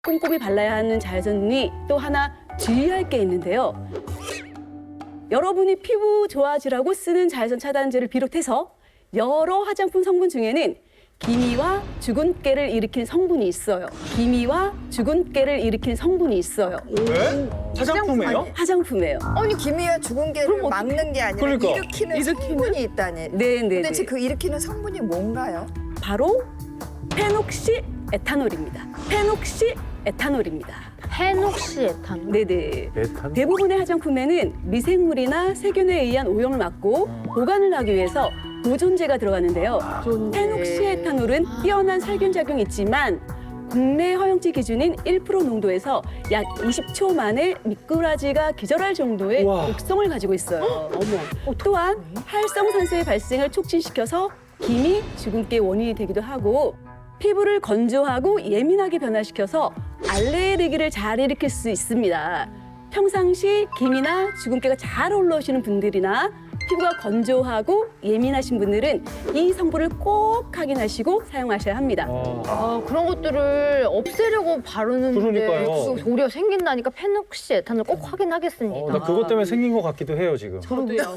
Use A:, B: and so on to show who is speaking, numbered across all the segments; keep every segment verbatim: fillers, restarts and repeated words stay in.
A: 꼼꼼히 발라야 하는 자외선이 또 하나 주의할 게 있는데요. 여러분이 피부 좋아지라고 쓰는 자외선 차단제를 비롯해서 여러 화장품 성분 중에는 기미와 주근깨를 일으키는 성분이 있어요. 기미와 주근깨를 일으키는 성분이 있어요.
B: 왜? 화장품이에요?
A: 화장품이에요.
C: 아니 기미와 주근깨를 막는 게 아니라
B: 그러니까.
C: 일으키는,
A: 일으키는?
C: 성분이 있다니.
A: 네, 네,
C: 도대체
A: 네.
C: 그 일으키는 성분이 뭔가요?
A: 바로 페녹시 에탄올입니다. 페녹시 에탄올입니다.
D: 페녹시에탄올.
A: 네네.
B: 에탄올?
A: 대부분의 화장품에는 미생물이나 세균에 의한 오염을 막고 보관을 하기 위해서 보존제가 들어가는데요. 페녹시에탄올은 뛰어난 살균 작용이 있지만 국내 허용치 기준인 일 퍼센트 농도에서 약 이십 초 만에 미꾸라지가 기절할 정도의
B: 우와.
A: 독성을 가지고 있어요. 어머. 또한 활성산소의 발생을 촉진시켜서 기미, 주근깨 원인이 되기도 하고 피부를 건조하고 예민하게 변화시켜서 알레르기를 잘 일으킬 수 있습니다. 평상시 기미나 주근깨가 잘 올라오시는 분들이나 피부가 건조하고 예민하신 분들은 이 성분을 꼭 확인하시고 사용하셔야 합니다.
B: 아,
D: 아, 그런 것들을 없애려고 바르는데
B: 그러니까요.
D: 그거 도리어 생긴다니까 페녹시에탄올 꼭 확인하겠습니다.
B: 어, 나 그것 때문에 생긴 것 같기도 해요, 지금.
D: 저도요.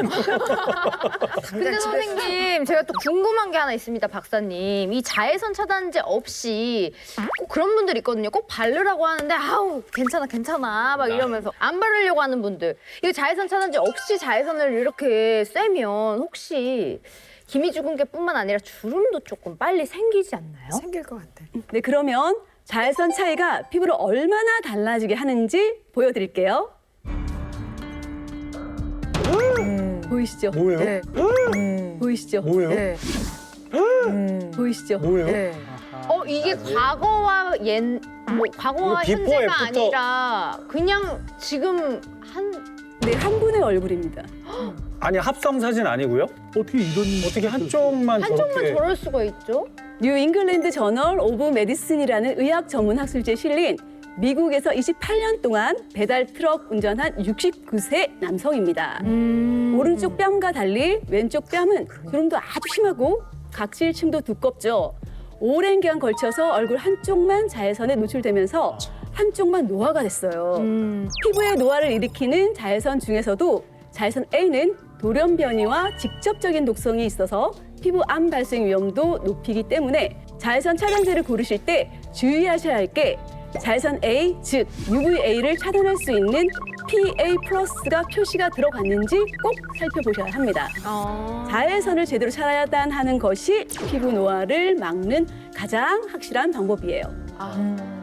D: 근데
C: 집에서-
D: 선생님, 제가 또 궁금한 게 하나 있습니다, 박사님. 이 자외선 차단제 없이 꼭 그런 분들 있거든요. 꼭 바르라고 하는데 아우 괜찮아 괜찮아 막 이러면서 안 바르려고 하는 분들. 이거 자외선 차단제 없이 자외선을 이렇게 쐬면 혹시 기미주근깨뿐만 아니라 주름도 조금 빨리 생기지 않나요?
C: 생길 것 같아.
A: 네, 그러면 자외선 차이가 피부를 얼마나 달라지게 하는지 보여드릴게요. 보이시죠?
B: 뭐예요?
C: 네.
A: 보이시죠?
B: 뭐예요?
C: 네.
A: 보이시죠?
B: 뭐예요?
C: 네.
D: 어 이게 과거와 옛, 뭐 과거와
B: 이거 비포,
D: 현재가
B: 애프터.
D: 아니라 그냥 지금 한
A: 네, 한 분의 얼굴입니다.
B: 아니, 합성 사진 아니고요?
E: 어떻게 이런
B: 어떻게 한쪽만
D: 한쪽만
B: 저렇게.
D: 저럴 수가 있죠?
A: 뉴 잉글랜드 저널 오브 메디슨이라는 의학 전문 학술지에 실린 미국에서 이십팔 년 동안 배달 트럭 운전한 육십구 세 남성입니다. 오른쪽 뺨과 달리 왼쪽 뺨은 주름도 아주 심하고 각질층도 두껍죠. 오랜 기간 걸쳐서 얼굴 한쪽만 자외선에 노출되면서 한쪽만 노화가 됐어요.
D: 음.
A: 피부에 노화를 일으키는 자외선 중에서도 자외선 A는 돌연 변이와 직접적인 독성이 있어서 피부 암 발생 위험도 높이기 때문에 자외선 차단제를 고르실 때 주의하셔야 할 게 자외선 A, 즉 유브이에이를 차단할 수 있는 피에이 플러스가 표시가 들어갔는지 꼭 살펴보셔야 합니다.
D: 아.
A: 자외선을 제대로 차단하는 것이 피부 노화를 막는 가장 확실한 방법이에요.
D: 아.